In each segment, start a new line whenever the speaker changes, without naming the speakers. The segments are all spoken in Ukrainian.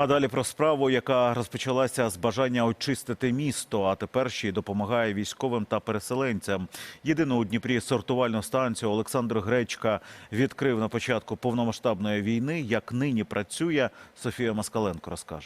А далі про справу, яка розпочалася з бажання очистити місто, а тепер ще й допомагає військовим та переселенцям. Єдину у Дніпрі сортувальну станцію Олександр Гречка відкрив на початку повномасштабної війни. Як нині працює, Софія Москаленко розкаже.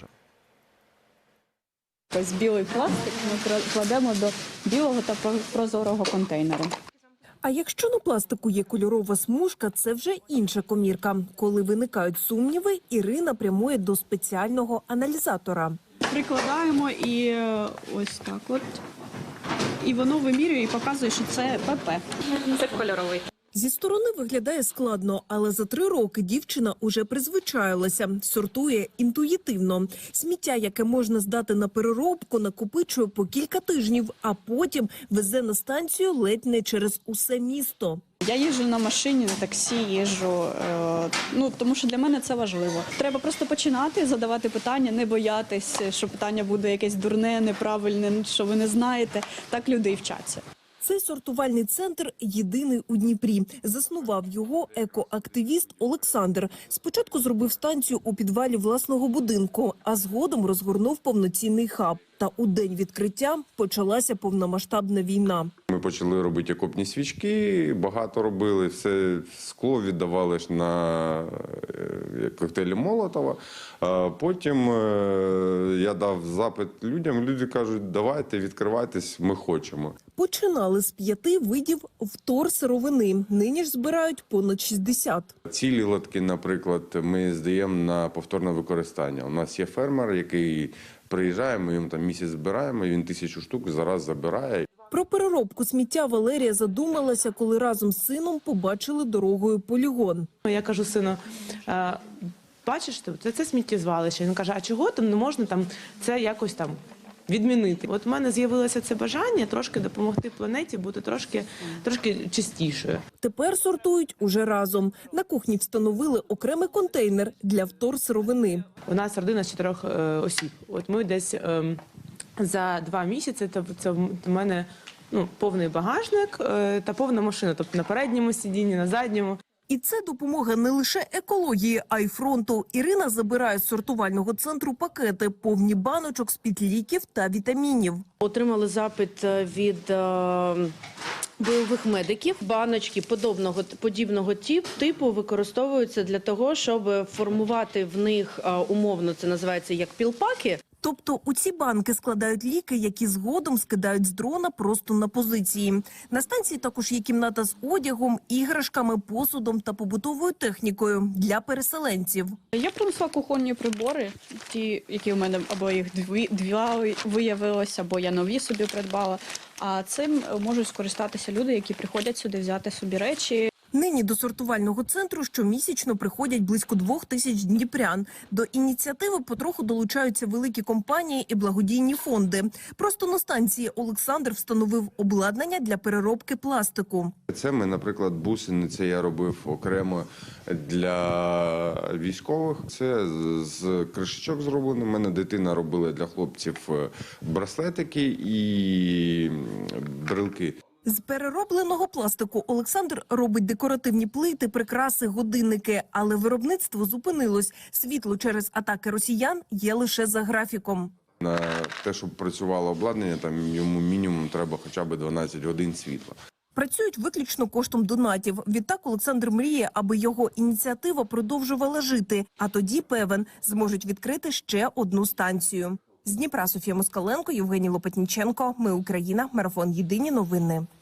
Ось білий пластик ми кладемо до білого та прозорого контейнеру.
А якщо на пластику є кольорова смужка, це вже інша комірка. Коли виникають сумніви, Ірина прямує до спеціального аналізатора.
Прикладаємо і ось так от. І воно вимірює і показує, що це ПП. Це кольоровий.
Зі сторони виглядає складно, але за 3 роки дівчина уже призвичаїлася. Сортує інтуїтивно. Сміття, яке можна здати на переробку, накопичує по кілька тижнів, а потім везе на станцію ледь не через усе місто.
Я їжджу на машині, на таксі їжджу, тому що для мене це важливо. Треба просто починати, задавати питання, не боятись, що питання буде якесь дурне, неправильне, що ви не знаєте. Так люди і вчаться.
Цей сортувальний центр єдиний у Дніпрі. Заснував його екоактивіст Олександр. Спочатку зробив станцію у підвалі власного будинку, а згодом розгорнув повноцінний хаб. Та у день відкриття почалася повномасштабна війна.
Ми почали робити окопні свічки, багато робили, все скло віддавали ж на коктейлі Молотова. Потім я дав запит людям, люди кажуть, давайте, відкривайтесь, ми хочемо.
Починали з 5 видів вторсировини. Нині ж збирають понад 60.
Цілі лотки, наприклад, ми здаємо на повторне використання. У нас є фермер, який приїжджає, ми йому там місяць збираємо, він 1000 штук зараз забирає.
Про переробку сміття Валерія задумалася, коли разом з сином побачили дорогою полігон.
Я кажу сину, бачиш, це сміттєзвалище. Він каже, а чого там не можна це якось відмінити? От в мене з'явилося це бажання трошки допомогти планеті бути трошки чистішою.
Тепер сортують уже разом. На кухні встановили окремий контейнер для вторсировини.
У нас родина з 4 осіб. От ми десь за 2 місяці, це в мене повний багажник та повна машина. Тобто на передньому сидінні, на задньому.
І це допомога не лише екології, а й фронту. Ірина забирає з сортувального центру пакети, повні баночок з-під ліків та вітамінів.
Отримали запит від бойових медиків. Баночки подібного типу використовуються для того, щоб формувати в них, умовно, це називається як пілпаки.
Тобто у ці банки складають ліки, які згодом скидають з дрона просто на позиції. На станції також є кімната з одягом, іграшками, посудом та побутовою технікою для переселенців.
Я принесла кухонні прибори, ті, які у мене або їх 2 виявилося, або я нові собі придбала. А цим можуть скористатися люди, які приходять сюди взяти собі речі.
Нині до сортувального центру щомісячно приходять близько 2000 дніпрян. До ініціативи потроху долучаються великі компанії і благодійні фонди. Просто на станції Олександр встановив обладнання для переробки пластику.
Це ми, наприклад, бусини, це я робив окремо для військових. Це з кришечок зроблено. У мене дитина робила для хлопців браслетики і брелки.
З переробленого пластику Олександр робить декоративні плити, прикраси, годинники. Але виробництво зупинилось. Світло через атаки росіян є лише за графіком.
На те, щоб працювало обладнання, там йому мінімум треба хоча б 12 годин світла.
Працюють виключно коштом донатів. Відтак Олександр мріє, аби його ініціатива продовжувала жити. А тоді, певен, зможуть відкрити ще одну станцію. З Дніпра Софія Москаленко, Євгеній Лопатніченко. Ми Україна. Марафон. Єдині новини.